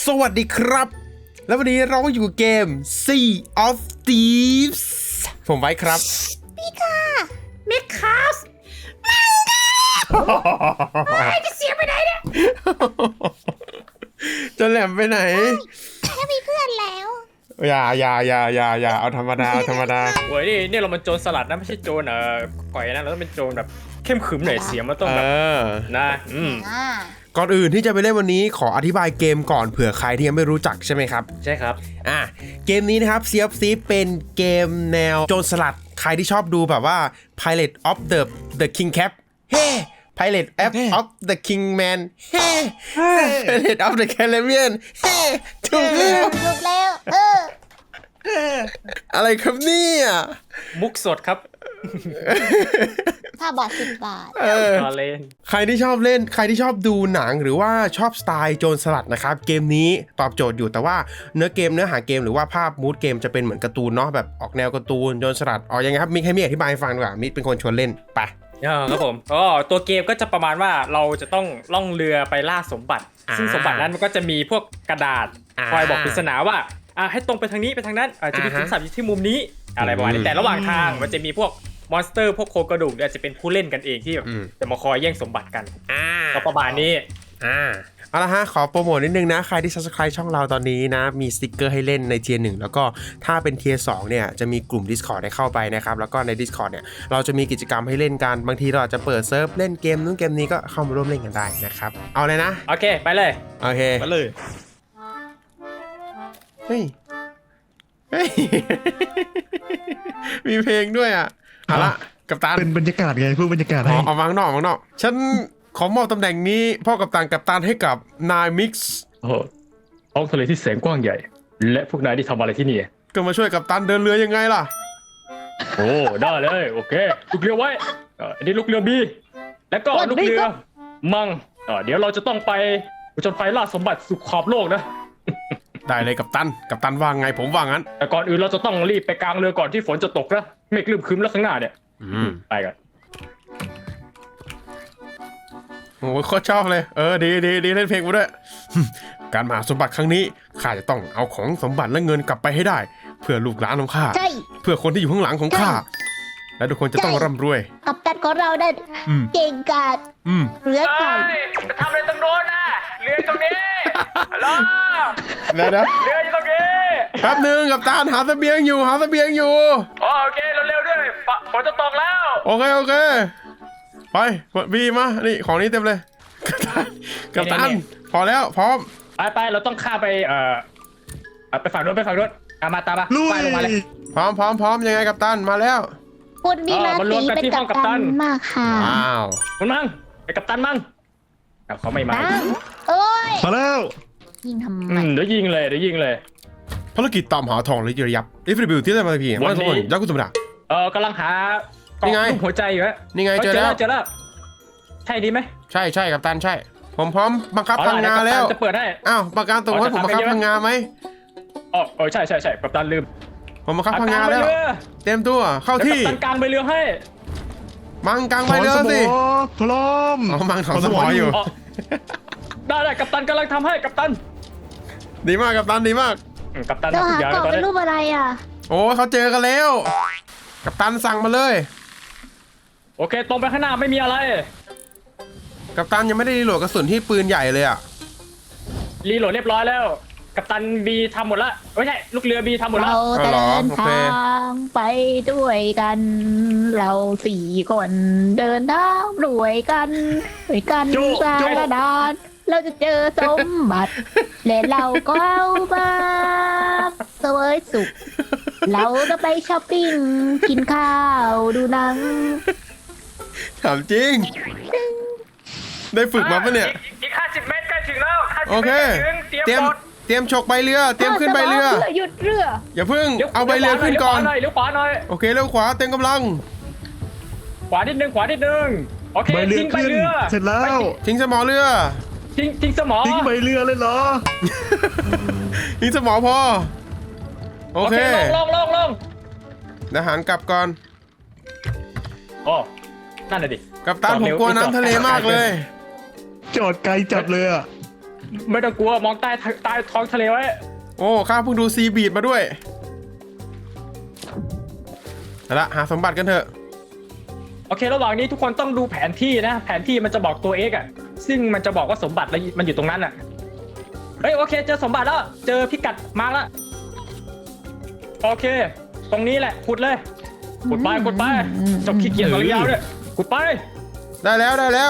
สวัสดีครับแล้ววันนี้เราก็อยู่เกม Sea of Thieves ผมไว้ครับพี่ค่ะเมคคาสจะเสียไปไหนเนี่ยจะแหลมไปไหนถ้ามีเพื่อนแล้วอย่าเอาธรรมดาโอ้ยนี่เรามันโจรสลัดนะไม่ใช่โจรก่อยนะเราต้องเป็นโจรแบบเข้มขรึมหน่อยเสียงมันต้องแบบนะก่อนอื่นที่จะไปเล่นวันนี้ขออธิบายเกมก่อนเผื่อใครที่ยังไม่รู้จักใช่ไหมครับใช่ครับเกมนี้นะครับ Sea of Thieves เป็นเกมแนวโจรสลัดใครที่ชอบดูแบบว่า Pilot of the King Cap เฮ้ Pilot of the King Man เฮ้ Pilot of the Caribbean เฮ้ถูกแล้วอะไรครับเนี่ยมุกสดครับ 5 บาท 10 บาทเล่นใครที่ชอบดูหนังหรือว่าชอบสไตล์โจรสลัดนะครับเกมนี้ตอบโจทย์อยู่แต่ว่าเนื้อหาเกมหรือว่าภาพมูดเกมจะเป็นเหมือนการ์ตูนเนาะแบบออกแนวการ์ตูนโจรสลัดยังไงครับมิกให้มิกอธิบายให้ฟังดีกว่ามิกเป็นคนชวนเล่นไปครับผมตัวเกมก็จะประมาณว่าเราจะต้องล่องเรือไปล่าสมบัติซึ่งสมบัตินั้นมันก็จะมีพวกกระดาษคอยบอกปริศนาว่าให้ตรงไปทางนี้ไปทางนั้นจะมีขุมทรัพย์อยู่ที่มุมนี้อะไรประมาณนี้แต่ระหว่างทางมันจะมีพวกมอนสเตอร์พวกโครงกระดูกเนี่ยจะเป็นผู้เล่นกันเองที่จะมาคอยแย่งสมบัติกันก็ประมาณนี้เอาละฮะขอโปรโมทนิดนึงนะใครที่ Subscribe ช่องเราตอนนี้นะมีสติกเกอร์ให้เล่นในเทียร์ 1แล้วก็ถ้าเป็นเทียร์ 2เนี่ยจะมีกลุ่ม Discord ให้เข้าไปนะครับแล้วก็ใน Discord เนี่ยเราจะมีกิจกรรมให้เล่นกันบางทีเราอาจจะเปิดเซิร์ฟเล่นเกมนู้นเกมนี้ก็เข้ามาร่วมเล่นกันได้นะครับเอาเลยนะโอเคไปเลยโอเคไปเลยเฮ้ยมีเพลงด้วยเอาละกัปตันเป็นบรรยากาศไงเพื่อบรรยากาศให้เอาวางนอกฉันขอมอบตำแหน่งนี้พ่อกัปตันให้กับนายมิกซ์ท้องทะเลที่แสนกว้างใหญ่และพวกนายที่ทำอะไรที่นี่ก็มาช่วยกัปตันเดินเรือยังไงล่ะโอ้ได้เลยโอเคลูกเรือไว้อันนี้ลูกเรือบีแล้วก็ลูกเรือมังเดี๋ยวเราจะต้องไปจนไฟล่าสมบัติสุขขอบโลกนะได้เลยกัปตันว่าไงผมว่างั้นแต่ก่อนอื่นเราจะต้องรีบไปกลางเรือก่อนที่ฝนจะตกนะเมฆลืมครึ้มแล้วข้างหน้าเนี่ยไปกันโอ้โคตรชอบเลยดีเล่นเพลงมาด้วยการมาหาสมบัติครั้งนี้ข้าจะต้องเอาของสมบัติและเงินกลับไปให้ได้เพื่อลูกหลานของข้าเพื่อคนที่อยู่ข้างหลังของข้าและทุกคนจะต้องร่ำรวยกัปตันของเราได้เก่งกาจเรือไก่จะทำอะไรตรงโน้นนะเรือตรงนี้รอเรืออยู่ตรงนี้แป๊บนึงกัปตันหาเสบียงอยู่โอเคเร็วๆด้วยฝนจะตกแล้วโอเคไปบีมานี่ของนี้เต็มเลยกัปตันพอแล้วพร้อมไปเราต้องข้าไปไปฝั่งนู้นตามมาไปลงมาเลยพร้อมยังไงกัปตันมาแล้วคุณมีราศีเป็นกัปตันมากค่ะคุณมั่งไปกัปตันมั่งเขาไม่มาโอ้ยมาแล้วยิงทำไมเดี๋ยวยิงเลยภารกิจตามหาทองและยับFW ที่ได้มาพี่วันนี้ยักษ์กุศลดากำลังหากล่องหัวใจอยู่ฮะนี่ไงเจอแล้วใช่ดีไหมใช่กัปตันใช่ผมพร้อมบังคับพังงาแล้วจะเปิดให้ประกันตัวว่าผมบังคับพังงาไหมใช่กัปตันลืมผมบังคับพังงาแล้วเต็มตัวเข้าที่กัปตันกลางใบเรือให้มังกลางใบเรือสิพร้อมมังถอนสมออยู่ได้กัปตันกำลังทำให้กัปตันดีมากกัปตันกัปตันเราหากล่องเป็นรูปอะไรโอ้เขาเจอกันแล้วกัปตันสั่งมาเลยโอเคตรงไปข้างหน้าไม่มีอะไรกัปตันยังไม่ได้รีโหลดกระสุนที่ปืนใหญ่เลยรีโหลดเรียบร้อยแล้วกัปตันบีทำหมดแล้วไม่ใช่ลูกเรือบีทำหมดแล้วเราเดินทางไปด้วยกันเรา4 คนเดินทางด้วยกันสารดานเราจะเจอสมบัติและเราก็เอามาเสวยสุขเราจะไปช้อปปิ้งกินข้าวดูหนังถามจริงได้ฝึกมาปะเนี่ยอีก50 เมตรใกล้ถึงแล้วโอเคเตรียมฉกใบเรือเตรียมขึ้นใบเรือหยุดเรืออย่าเพิ่งเอาใบเรือขึ้นก่อนเลี้ยวขวาหน่อยโอเคเลี้ยวขวาเต็มกำลังขวานิดนึงโอเคทิ้งใบเรือเสร็จแล้วทิ้งสมอเรือทิ้งสมอทิ้งใบเรือเลยเหรอทิ้งสมอพอโอเคลงทหารกลับก่อนนั่นแหละดิกัปตันผมกลัวน้ำทะเลมากเลยจอดไกลจัดเลยไม่ต้องกลัวมองใต้ท้องทะเลไว้โอ้ข้าเพิ่งดูซีบีดมาด้วยเอาละหาสมบัติกันเถอะโอเคระหว่างนี้ทุกคนต้องดูแผนที่นะ แผนที่มันจะบอกตัว X อ่ะซึ่งมันจะบอกว่าสมบัติมันอยู่ตรงนั้นอ่ะเฮ้ยโอเคเจอสมบัติแล้วเจอพิกัดมาร์กแล้วโอเค ตรงนี้แหละขุดเลยขุดไปจบขี้เกียจตอนยาวด้วยขุดไปได้แล้ว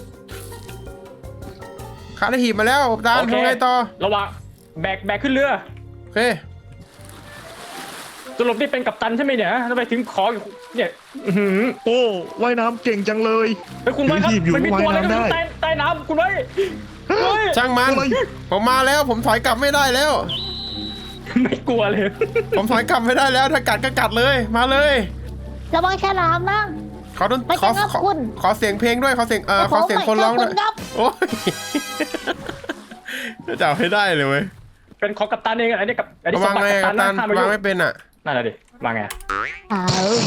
ข้าได้หีบมาแล้วกัปตันโอเคทำไงต่อระหว่างแบกขึ้นเรือโอเคสรุปนี่เป็นกัปตันใช่ไหมเนี่ยทำไมถึงขออยู่เนี่ยอื้อหือโอ้ว่ายน้ำเก่งจังเลยเฮ้ยคุณไว้ครับอยู่มันมีตัวอะไรว่ายน้ำก็ไม่รู้ได้ใต้น้ำคุณไว้เฮ้ยช่างมันอะไรผมมาแล้วผมถอยกลับไม่ได้แล้วไม่กลัวเลยผมถอยกลับไม่ได้แล้วถ้ากัดก็กัดเลยมาเลยระวังฉลามนะขอดนไม่ขอใช่ครับขอคุณขอเสียงเพลงด้วยขอเสียงขอเสียงคนร้องด้วยครับโอ้ยจะจับให้ได้เลยเว้ยเป็นของกัปตันเองอันนี้กับอันนี้สวาม งบัติไงกัปกัตัปนตันนะห้ามวางไปไม่เป็นอ่ะนั่นแหละดิวางไงอ้าว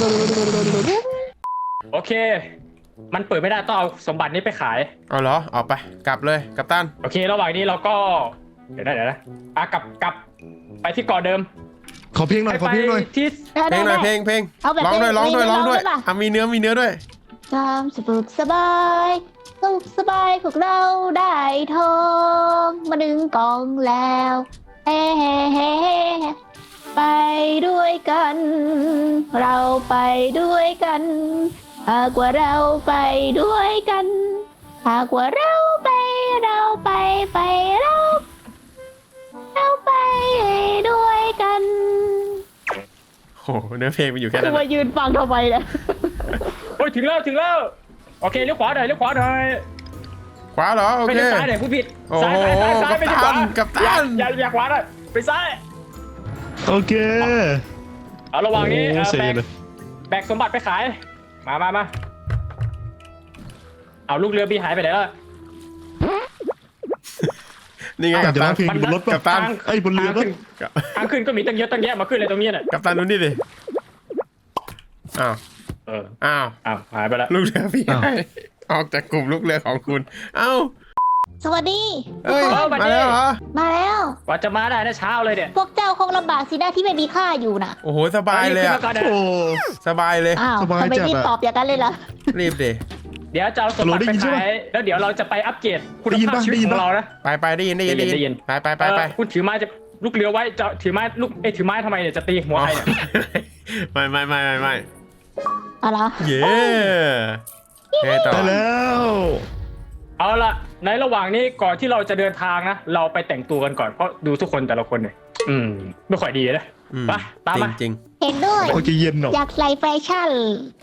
โอเค มันเปิดไม่ได้ต้องเอาสมบัตินี้ไปขายเอาเหรอออกไปกลับเลยกัปตันโอเค ระหว่างนี้เราก็เดี๋ยวนะกลับไปที่เกาะเดิมขอเพลงหน่อยขอเพลงหน่อยที่เพลงหน่อยเพลงเอาแบบร้องด้วยเพลงร้องด้วยเพลงร้องด้วยร้องด้วยป่ะมีเนื้อด้วยความสุขสบายสุขสบายพวกเราได้ทองมาดึงกองแล้วเฮ้เฮ้เฮ้เฮ้ไปด้วยกัน เราไปด้วยกันหากว่าเราไปด้วยกันหากว่าเราไปเราไปด้วยกันโอ้โหเนื้อเพลงมันอยู่แค่คืนั้อน มาอะยืนฟังทำไมเนี่ยโอ้ยถึงแล้วโอเคเลี้ยวขวาหน่อยขวาเหรอโอไม่เคใช่ซ้ายหน่อยผู้ผิดโอ้โหซ้ายไม่ใช่ขวากัปตันอย่าขวาหน่อยไปซ้ายโอเคเอาระหว่างนี้โอ้เสียเลยแบกสมบัติไปขายมาเอาลูกเรือบีหายไปไหนแล้วนี่ไงอากัจปจะตัร้อน งเพลงอยู่บนรถป่ะกัปตันไอ้ยบนเรือป่ะทางขึ้นก็มีตั้งเยอะตั้งแยะมาขึ้นเลยตรงนี้น่ะกัปตันดูนี่ดิอ้าวเอออ้าวหายไปแล้วลูกเรือพี่ให้ออกจากกลุ่มลูกเรือของคุณเอ้าสวัสดีเอ้ยเออมาดิมาแล้วเหรอมาแล้วกว่าจะมาได้นะเช้าเลยเนี่ยพวกเจ้าคงลำบากสินะที่ไม่มีข้าอยู่น่ะโอ้โหสบายเลยขึ้นอะมาก่อนนะโอ้สบายเลยอ้าวสบายทำไมจัดรีบอะตอบอย่างนั้นเลยล่ะรีบดิเดี๋ยวจะเอาสมบัติได้ไปยินใช่ขาไหมยแล้วเดี๋ยวเราจะไปอัปเกรดคุณได้ยินภาพปะชีวิตได้ยินขอปะงเรานะไปได้ยินได้ยินไปคุณถือไม้จะลูกเรือไว้จะถือไม้ลูกถือไม้ทำไมเนี่ยจะตีหัวใครเนี่ยไม่อะไรเย้ไงต่อได้แล้วเอาละในระหว่างนี้ก่อนที่เราจะเดินทางนะเราไปแต่งตัวกันก่อนเพราะดูทุกคนแต่ละคนเนี่ยไม่ค่อยดีนะอืมไปตามมาจริงเห็นด้วยเขาจะเย็นหรอกอยากใส่แฟชั่น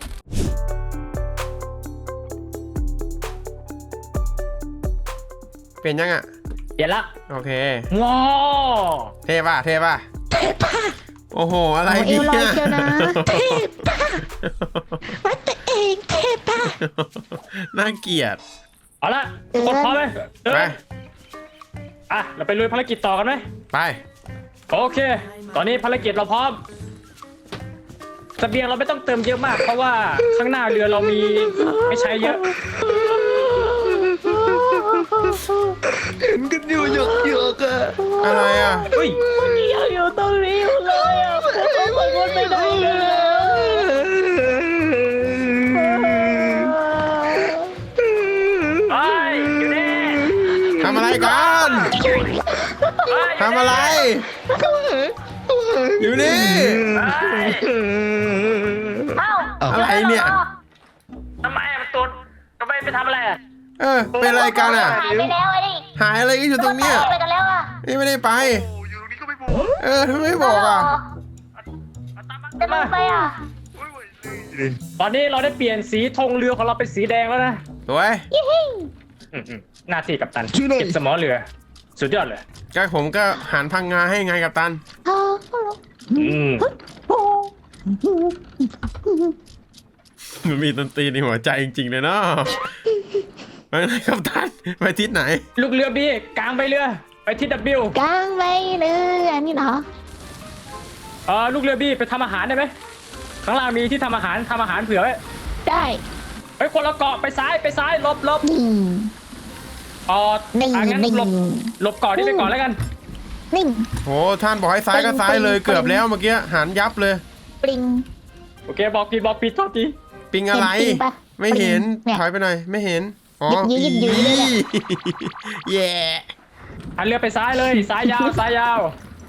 ๆเป็นยังอ่ะเดี๋ยวละโอเคว้าวเท่ป่ะโอ้โหอะไรโอ้เอเนี่วลอยเชียวนะน่าเกลียดเอาละทุกคนพร้อมไหมไปเราไปลุยภารกิจต่อกันไหมไปโอเค ตอนนี้ภารกิจเราพร้อมเสบียงเราไม่ต้องเติมเยอะมาก เพราะว่าข้างหน้าเรือเรามีไม่ใช้เยอะเห็นกันอยู่หยกอะอะไรอ่ะเฮ้ยยังอยู่ตรงนี้อยู่เลยอ่ะผมก็คนไม่ได้เลยเฮ้ยอยู่นี่ทำอะไรกันเฮ้ยทำอะไร อยู่นี่เอ้าอะไรเนี่ยทำไมมันตัวทำไมไปทำอะไรอ่ะเป็นอะไรกันอ่ะหายไปแล้วไอ้นี่หายอะไรกันอยู่ตรงเนี้ยไปกันแล้วอ่ะนี่ไม่ได้ไป ทำไมไม่บอกอ่ะจะลงไปอ่ะตอนนี้เราได้เปลี่ยนสีธงเรือของเราเป็นสีแดงแล้วนะสวยหน้าที่กัปตันช่วยหน่อยเก็บสมอเรือ สุดยอดเลยก็ผมก็หันพังงาให้ไงกับตัน มันมีดนตรีในหัวใจจริงๆเลยเนาะไปไหนกับตัน ไปทิศไหนลูกเรือบีกลางไปเรือ ไปที่ W กลางไปเลยอันนี้เนาะลูกเรือบีไปทำอาหารได้ไหมข้างล่างมีที่ทำอาหารเผื่อไว้ได้ไปคนละเกาะไปซ้ายลบอืมอ๋อนิ่งงั้นนิ่งหลบก่อนนี่ไปก่อนแล้วกันนิ่งโอ้ท่านบอกให้ซ้ายก็ซ้ายเลยเกือบแล้วเมื่อกี้หันยับเลยปริงโอเคบอกผิดโทษทีปิงอะไรเห็นปิงปะไม่เห็นปิงเนี่ยถอยไปหน่อยไม่เห็นอ๋อยิบยืดเลยเนี่ยแย่หันเรือไปซ้ายเลยซ้ายยาวซ้ายยาว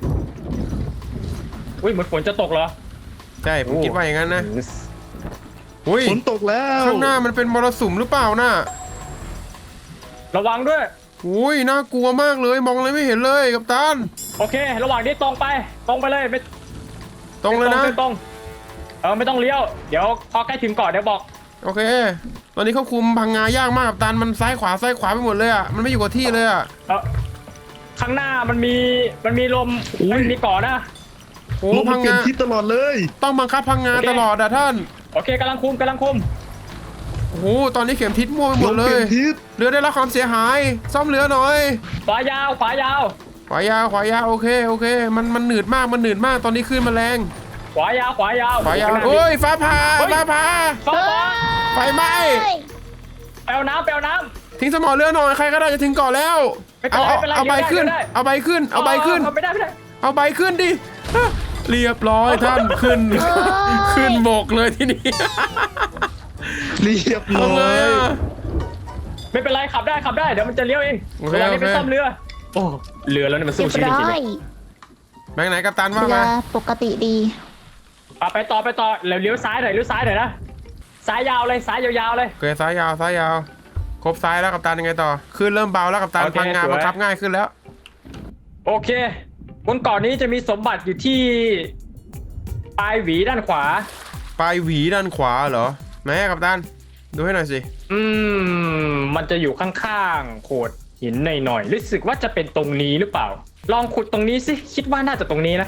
อุ้ยเหมือนฝนจะตกเหรอใช่ผมคิดว่าอย่างนั้นนะอุ้ยฝนตกแล้วข้างหน้ามันเป็นมรสุมหรือเปล่าน่ะระวังด้วยอุ้ยน่ากลัวมากเลยมองอะไรไม่เห็นเลยกัปตันโอเค ระหว่างนี้ตรงไปเลยไม่ตรงเลยนะไม่ตรงไม่ต้องเลี้ยวเดี๋ยวพอใกล้ถึงก่อนเดี๋ยวบอกโอเค ตอนนี้ควบคุมพังงายากมากกัปตันมันซ้ายขวาไปหมดเลยอ่ะมันไม่อยู่กับที่เลยอ่ะข้างหน้ามันมีลมมันมีเกาะนะโอ้ลมมัพันงเปลี่ยนงาทิศตลอดเลยต้องบังคับพังงาตลอดอ่ะท่านโอเคกำลังคุมโอ้โหตอนนี้เข็มทิศมั่วไปหมลดมเลเปลี่ยยนทิศเรือได้รับความเสียหายซ่อมเรือหน่อยขวายาวขวายาวขวายาวโอเคมันหนืดมากตอนนี้คลื่นมันแรงขวายาวขวายาวโอ้ยฟ้าผ่าฟ้าไฟไหม้ไปเอาน้ำทิ้งสมอเรือหน่อยใครก็ได้จะถึงเกาะแล้วไม่เป็นไรไม่เป็นไรเอาใบขึ้นเดี๋ยวได้เอาใบขึ้นไม่ได้เอาใบขึ้นดิฮะเรียบร้อยท่านขึ้น ขึ้นบกเลยทีนี้เรียบร้ทำไงอยอะไม่เป็นไรขับได้เดี๋ยวมันจะเลี้ยวเองโอเคระหว่างนี้โอเคไปซ่อมเรือโอ้เรือแล้วเนี่ยมันเรีสู้ยบชีวิตร้จริงอยแบงค์ไหนกัปตันว่าเรือมาปกติดีๆไปต่อเลี้ยวซ้ายหน่อยนะซ้ายยาวเลยซ้ายยาวๆเลยโอเคซ้ายยาวครบซ้ายแล้วกัปตันยังไงต่อขึ้นเริ่มเบาแล้วกัปตันโอเคพังงาสวยบังคับง่ายขึ้นแล้วโอเคบนเกาะนี้จะมีสมบัติอยู่ที่ปลายหวีด้านขวาปลายหวีด้านขวาเหรอไหนอะกัปตันดูให้หน่อยสิมันจะอยู่ข้างๆโขดหินหน่อยๆรู้สึกว่าจะเป็นตรงนี้หรือเปล่า ลองขุดตรงนี้สิคิดว่าน่าจะตรงนี้นะ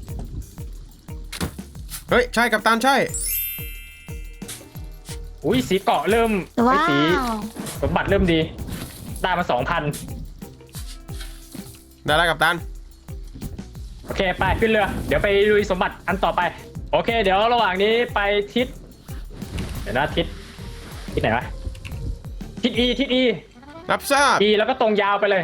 เฮ้ยใช่กัปตันใช่อุ้ยสีเกาะเริ่มว้าสีวสมบัติเริ่มดีได้มา 2,000 ได้แล้วกัปตันโอเคไปขึ้นเรือเดี๋ยวไปลุยสมบัติอันต่อไปโอเค เดี๋ยวระหว่างนี้ไปทิศเดี๋ยวนะทิศไหนวะทิศ E รับทราบ E แล้วก็ตรงยาวไปเลย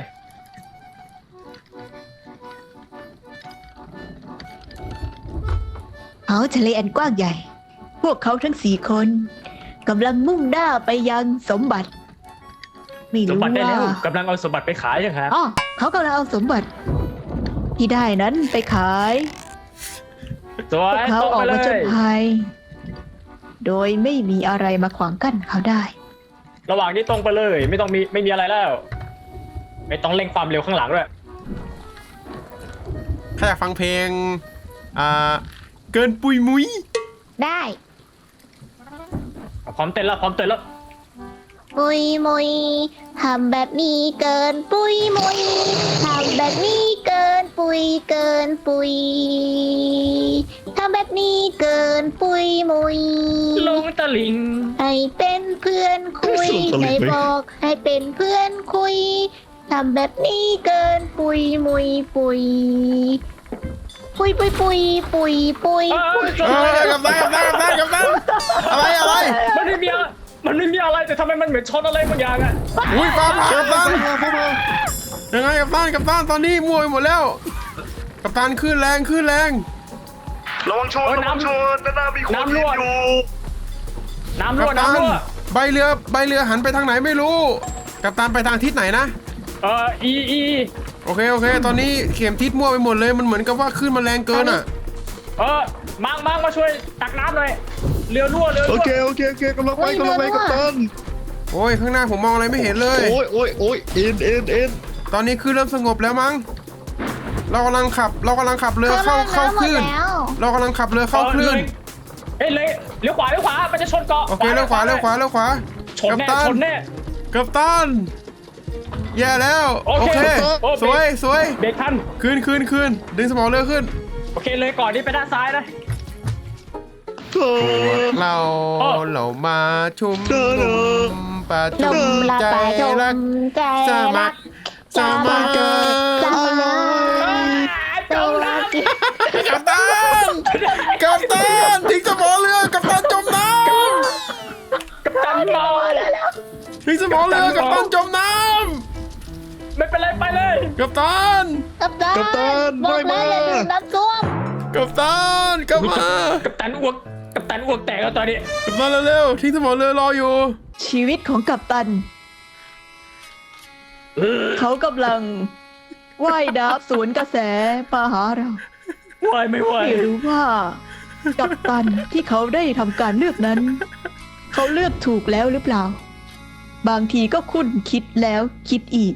เขาทะเลอันกว้างใหญ่ พวกเขาทั้ง4 คนกำลังมุ่งหน้าไปยังสมบัติ ไม่สมรู้บัติได้ว่าแล้วกำลังเอาสมบัติไปขายยังครับอ๋อเขากำลังเอาสมบัติ ที่ได้นั้นไปขายสวพวย กเขาตรงออไปกเลมาจนยภัยโดยไม่มีอะไรมาขวางกั้นเขาได้ระหว่างนี้ตรงไปเลยไม่มีอะไรแล้ว ไม่ต้องเร่งความเร็วข้างหลังด้วยถ้าอยากฟังเพลงเกินปุยมุ้ยได้พร้อมเต้นแล้วปุยมุยทำแบบนี้เกินปุยมุยทำแบบนี้เกินปุยทำแบบนี้เกินปุยมุยลงตะลิงให้เป็นเพื่อนคุยส่งตะลิงให้ไปบอกให้เป็นเพื่อนคุยทำแบบนี้เกินปุยมุยปุยปุยปุยปุยปุยปุยปุยกัปตันอะไรมันไม่มีอะไรแต่ทำไมมันเหมือนชนอะไรบางอย่างอะอุ้ยฟ้าผ่ากัปตันยังไงกัปตันตอนนี้มั่วไปหมดแล้วกัปตันขึ้นแรงระวังชนด้านหน้ามีคนอยู่น้ำกัรั่ปวตันน้ำใบเรือหันไปทางไหนไม่รู้กัปตันไปทางทิศไหนนะ E โอเคตอนนี้เข็มทิศมั่วไปหมดเลยมันเหมือนกับว่าขึ้นมันแรงเกินอ่ะมังมาช่วยตักน้ำหน่อยเรือรั่วโอเคกำลังไปกัปตันโอ้ยข้างหน้าผมมองอะไรไม่เห็นเลยโอ้ยเอ็นตอนนี้คือเริ่มสงบแล้วมั้งเรากำลังขับเรือเข้าคลื่นเรากำลังขับเรือเข้าคลื่นเลยเลี้ยวขวามันจะชนเกาะโอเคเลี้ยวขวาชนแน่กัปตันแย่แล้วโอเคสวยเบรกทันขึ้นดึงสมองเรือขึ้นโอเคเลยก่อนนี้ไปด้านซ้ายนะเรามาชุมนุมประลจุมละใจปะจรักมใจสมัรัคกรสมัครสมัครจมน้กัปตันทิ้งสมองเรือกัปตันจมน้ำกับจันรอำทิ้งสมองเรือกัปตันจมน้กัปตันกัปตันกัปตันบอกแล้วอย่าดื่มน้ำส้วมกัปตันกลับมากัปตันอ้วกแตกแล้วตอนนี้กัปตันเร็วๆทิ้งสมอเรือรออยู่ชีวิตของกัปตัน เขากำลังว่ายน้ำสวนกระแสมาหาเราไหวไม่ไหวไม่รู้ว่า กัปตันที่เขาได้ทำการเลือกนั้น เขาเลือกถูกแล้วหรือเปล่า บางทีก็คุ้นคิดแล้วคิดอีก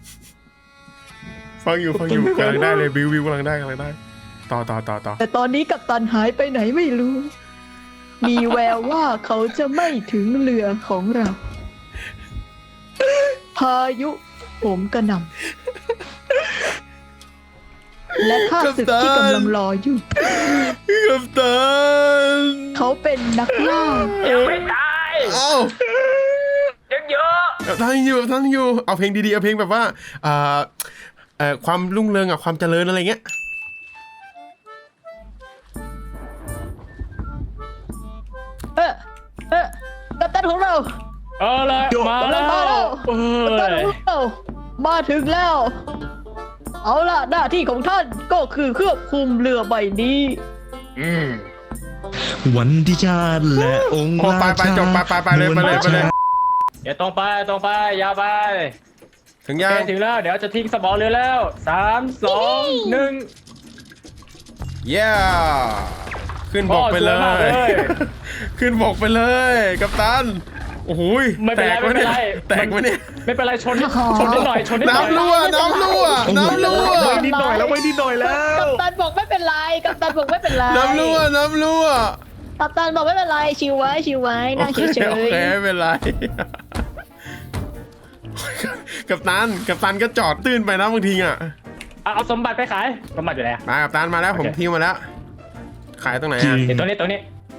ฟังอยู่กำลังได้เลยบิวกำลังได้ต่อแต่ตอนนี้กัปตันหายไปไหนไม่รู้ มีแววว่าเขาจะไม่ถึงเรือของเรา พายุโหมกระหน่ำและข้าศึกที่กำลังรออยู่กัปตันเขาเป็นนักล่ายังไม่ตายเอ้ายังเยอะกัปตันอยู่เอาเพลงดีๆเอาเพลงแบบว่าความรุ่งเรืองกับความเจริญอะไรเงี้ยกัปตันของเราเอาละมาแล้วมาแล้วเอกัปตันอของเรามาถึงแล้ว เอาล่ะหน้าที่ของท่านก็คือควบคุมเรือใบนี้อืมวันที่ชาติและองค์โอ้ไปราชาจบไปเลยเดี๋ยวตรงไปยาวไปถึงโอยังเคถึงแล้วเดี๋ยวจะทิ้งสมอเรือแล้ว3 2 1 เย้ขึ้นบกไปเลสวยมากเลย ยขึ้นบกไปเลยกัปตันโอ้โหไม่เป็นไรแตกวะเนี่ยไม่เป็นไรแตกวะเนี่ยไม่เป็นไรชนนิดหน่อยน้ำรั่วไว้นิดหน่อยแล้วกัปตันบอกไม่เป็นไรกัปตันบอกไม่เป็นไรน้ำรั่วกัปตันบอกไม่เป็นไรชิวไว้นั่งเฉโอเคยไม่เป็นไรกัปตันก็จอดตื้นไปนะบางทีอ่ะเอาสมบัติไปขายสมบัติอยู่ไหนมากัปตันมาแล้วโอเคผมทิ้งมาแล้ว ขายตรงไหนอ่ะเดี๋ยวตัวนี้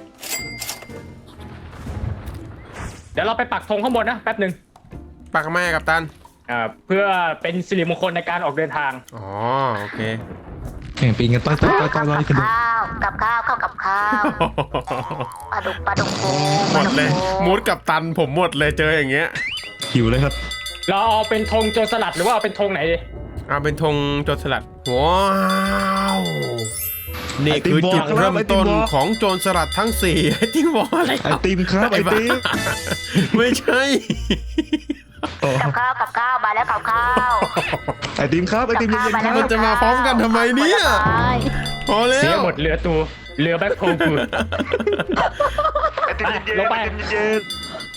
เดี๋ยวเราไปปักธงข้างบนนะแป๊บหนึ่งปักแม่กัปตันเพื่อเป็นสิริมงคลในการออกเดินทางอ๋อโอเคแข่งปีกันต้อยกันกับข้าวเข้ากับข้าวปลาดุกฟูหมดเลยมูดกัปตันผมหมดเลยเจออย่างเงี้ยหิวเลยครับเราเอาเป็นธงโจรสลัดหรือว่าเอาเป็นธงไหนดีเอาเป็นธงโจรสลัดว้าวนี่คือจุดเริ่มต้นของโจรสลัดทั้ง4ไอ้ที่วออะไรไอติมครับไอติมไม่ใช่กับข้าวมาแล้วกับข้าวไอติมครับไอติมเย็นๆครับมันจะมาพร้อมกันทำไมเนี่ยพอแล้เสียว หมดเรือแบ็คโฮลกูไอติมเย็นลงไปไอติมเย็น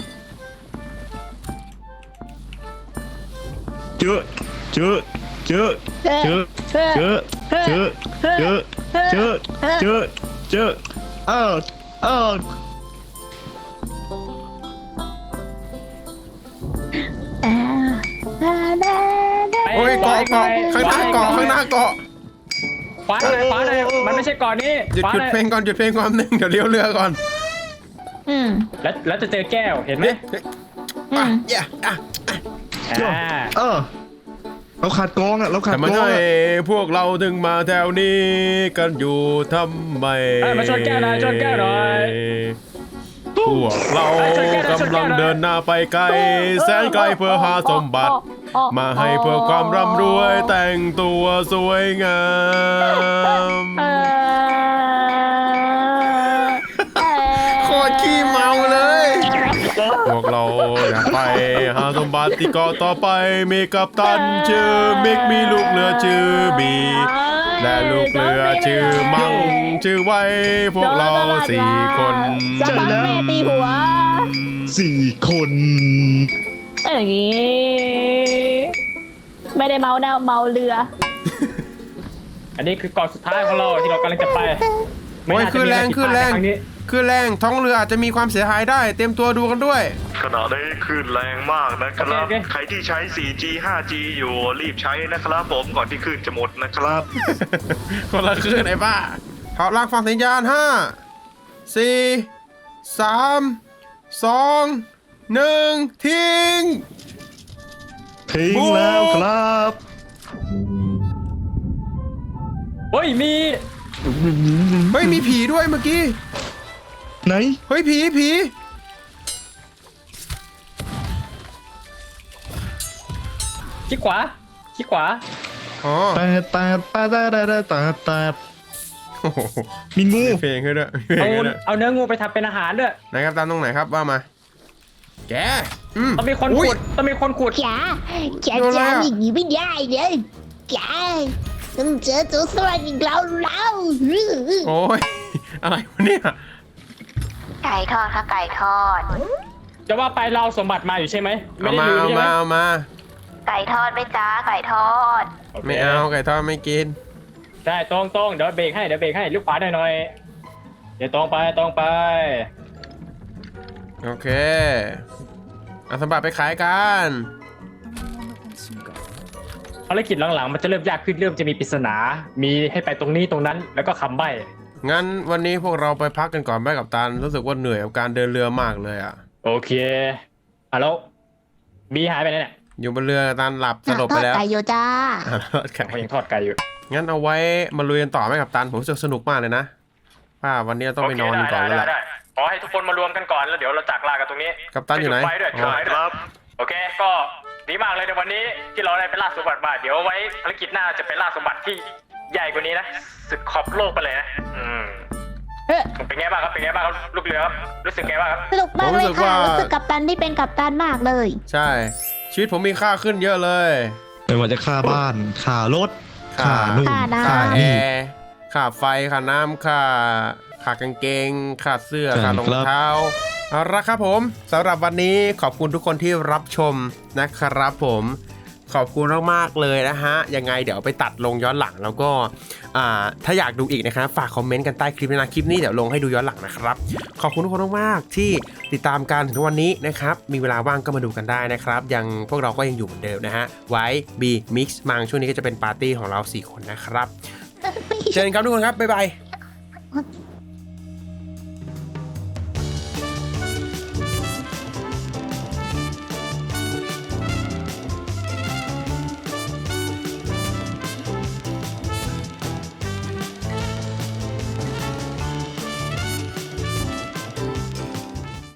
เจอเจอเจอเจอเจอเจอเจอเจอเจอเจอเออโอ้ยเกาะข้างหน้าเกาะขวาหน่อยมันไม่ใช่เก่อนนี้หยุดขวาหน่อยเพลงก่อนหนึ่งเดี๋ยวเลี้ยวเรือก่อนแล้วจะเจอแก้วเห็นไหมอ่ะอย่าอ่ะเราขาดกองอ่ะเราขาดแต่กมาองให้อ่ะพวกเราถึงมาแถวนี้กันอยู่ทำไมมาชนแก้วหน่อยพวกเรากำลังเดินหน้าไปไกลแสนไกลเพื่อหาสมบัติ มาให้เพื่อความร่ำรวยแต่งตัวสวยงามโคตรขี้เมาเลย พวกเราอยากไปหาสมบัติที่เกาะต่อไปมีกัปตันชื่อมิกมีลูกเรือชื่อบีและลูกเรือชื่อมังชื่อไว้พวกเรา4 คนจะบังแม่ตีหัว 4 คนอย่างงี้ไม่ได้เมานะเมาเรืออันนี้คือเกาะสุดท้ายของเราที่เรากำลังจะไปโอ้ยคือแรงท้องเรืออาจจะมีความเสียหายได้เตรียมตัวดูกันด้วยขณะนี้คลื่นแรงมากนะครับ ใครที่ใช้ 4G 5G อยู่รีบใช้นะครับผมก่อนที่คลื่นจะหมดนะครับคนละคลื่นไอ้บ้าถอดรางฟังสัญญาณ5 4 3 2 1ทิ้งทิ้งแล้วครับเฮ้ยมีเฮ้ยมีผีด้วยเมื่อกี้ไหนเฮ้ยผีขี้ขวาอ๋อแต่โอ้โหมีงูเพลงให้ด้วยมีเพลเอางให้ด้วยเอาเนื้องูไปทำเป็นอาหารด้วยไหนครับตามตรงไหนครับว่ามา แกต้องมีคนอุ๊ยขุดต้องมีคนขุดจ๋าจ๋าโดนอะไรจ๋าอะอย่างนี้ไม่ได้เลยจ๋าต้องเจอตัวสวัสดิ์อีกแล้วโอ้ยอะไรวะเนี่ยไก่ทอดค่ะไก่ทอดจะว่าไปเราเอาสมบัติมาอยู่ใช่ไหมไม่เอาได้มาลืมเอาใช่ไหมมาเอามาไก่ทอดไหมจ้าไก่ทอดโคไม่เอาไก่ทอดไม่กินได้ตรงเดี๋ยวเบรกให้ลูกขวาหน่อยเดี๋ยวตรงไปโอเคเอาสมบัติไปขายกันภารกิจหลังๆมันจะเริ่มยากขึ้นเริ่มจะมีปริศนามีให้ไปตรงนี้ตรงนั้นแล้วก็คำใบ้งั้นวันนี้พวกเราไปพักกันก่อนไหมกับตันรู้สึกว่าเหนื่อยกับการเดินเรือมากเลยอ่ะโอเคแล้วบีหายไปไหนเนี่ยอยู่บนเรือตันหลับสลบไปแล้วทอดไก่โยจ้าอ่ะทอดไก่เขายังทอดไก่อยู่งั้นเอาไว้มาลุยกันต่อไหมกับตันผมรู้สึกสนุกมากเลยนะว่าวันนี้เราต้องไปนอนกันก่อนแล้วแหละได้ขอให้ทุกคนมารวมกันก่อนแล้วเดี๋ยวเราจากลากันตรงนี้กัปตันอยู่ไหนจุดฟด้วยอ๋อจุดฟด้วยครับโอเคก็ดีมากเลยในวันนี้ที่เราได้ไปล่าสมบัติมาเดี๋ยวไว้ภารกิจหน้าจะไปล่าสมบัติที่ใหญ่กว่านี้นะสุดขอบโลกไปเลยนะเป็นไงบ้างครับลูกเรือครับรู้สึกไงบ้างครับสนุกมากเลยค่ะรู้สึกกัปตันที่เป็นกัปตันมากเลยใช่ชีวิตผมมีค่าขึ้นเยอะเลยไม่ว่าจะค่าบ้านค่ารถค่าค่านู่นค่าน้ำค่าค่าแอนี่ร์ค่าไฟค่าน้ำค่ากางเกงค่าเสื้อใช่ค่ารองครับเท้าเอาละครับผมสำหรับวันนี้ขอบคุณทุกคนที่รับชมนะครับผมขอบคุณมากๆเลยนะฮะยังไงเดี๋ยวไปตัดลงย้อนหลังแล้วก็ถ้าอยากดูอีกนะครับฝากคอมเมนต์กันใต้คลิปนะคลิปนี้เดี๋ยวลงให้ดูย้อนหลังนะครับขอบคุณทุกคนมากๆที่ติดตามกันถึงทุกวันนี้นะครับมีเวลาว่างก็มาดูกันได้นะครับยังพวกเราก็ยังอยู่เหมือนเดิมนะฮะไว้บีมิกซ์มังช่วงนี้ก็จะเป็นปาร์ตี้ของเรา4 คนนะครับ เจอกันครับทุกคนครับ บ๊ายบาย